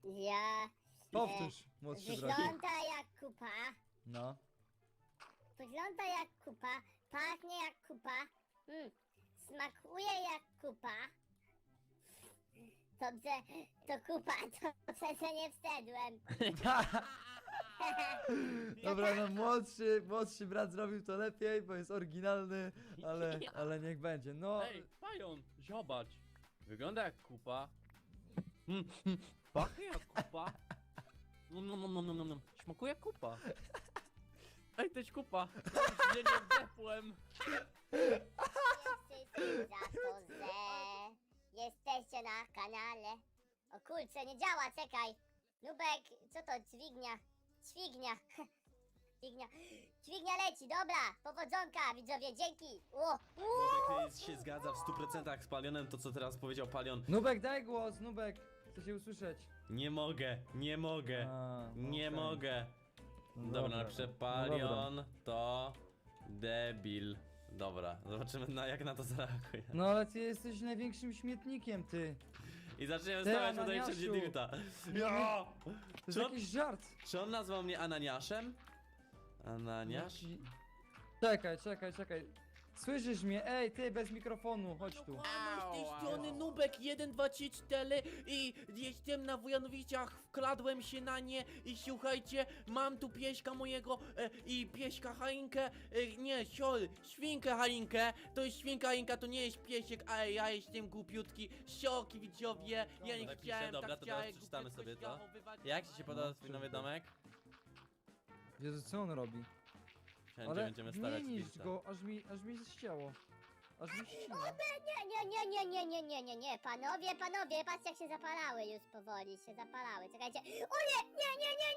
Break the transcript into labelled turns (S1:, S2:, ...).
S1: Ja...
S2: Powtórz, młodszy bracie.
S1: Wygląda jak kupa.
S2: No.
S1: Wygląda jak kupa. Pachnie jak kupa. Smakuje jak kupa. Dobrze, to kupa, to przecież nie wstedłem.
S2: Dobra, no młodszy brat zrobił to lepiej, bo jest oryginalny, ale niech będzie. No,
S3: Ej, Pająk, zobacz. Wygląda jak kupa. Pachnie jak kupa. Smakuje jak kupa. Ej, to jest kupa. Ja nie wdepłem.
S1: Wszyscy za to, że jesteście na kanale. O kurczę, nie działa, czekaj. Nubek, co to? Dźwignia. Dźwignia. Dźwignia leci, dobra. Powodzonka, widzowie, dzięki.
S4: Nubek się zgadza w 100% z Palionem, to co teraz powiedział Palion.
S2: Nubek, daj głos, Nubek. Chcę się usłyszeć.
S4: Nie mogę. Nie
S2: okej.
S4: mogę.
S2: No
S4: Dobra, napiszę
S2: no
S4: Palion to debil. Dobra, zobaczymy jak na to zareaguje.
S2: No ale ty jesteś największym śmietnikiem, ty.
S4: I zaczniemy
S2: Ty,
S4: stawiać tutaj
S2: Ananiasiu.
S4: wszędzie dirta.
S2: To jest
S4: Czy on-
S2: jakiś żart.
S4: Czy on nazwał mnie Ananiaszem? Ananiasz?
S2: Czekaj. Słyszysz mnie? Ej, ty, bez mikrofonu, chodź tu.
S5: Z tej strony Nubek 1, 2, 3, 4 i jestem na Wojanowicach, wkradłem się na nie i słuchajcie, mam tu pieśka mojego i pieśka Halinkę, nie, świnkę Halinkę, to jest świnka Halinka, to nie jest piesiek, a ja jestem głupiutki, sioki widzowie, ja nie
S4: Napiszę,
S5: chciałem,
S4: dobra,
S5: tak
S4: to teraz
S5: chciałem,
S4: przeczytamy sobie to.
S5: zachowywać.
S4: Jak ci się podoba
S2: No,
S4: twój nowy
S2: super.
S4: domek?
S2: Jezu, co on robi?
S4: Wszędzie
S2: Ale
S4: będziemy
S2: nie
S4: stawiać
S2: niszcz
S4: dirta.
S2: go, aż mi zścięło. Aż mi ścina.
S1: Nie, panowie, patrzcie jak się zapalały już powoli, się zapalały, czekajcie. O nie,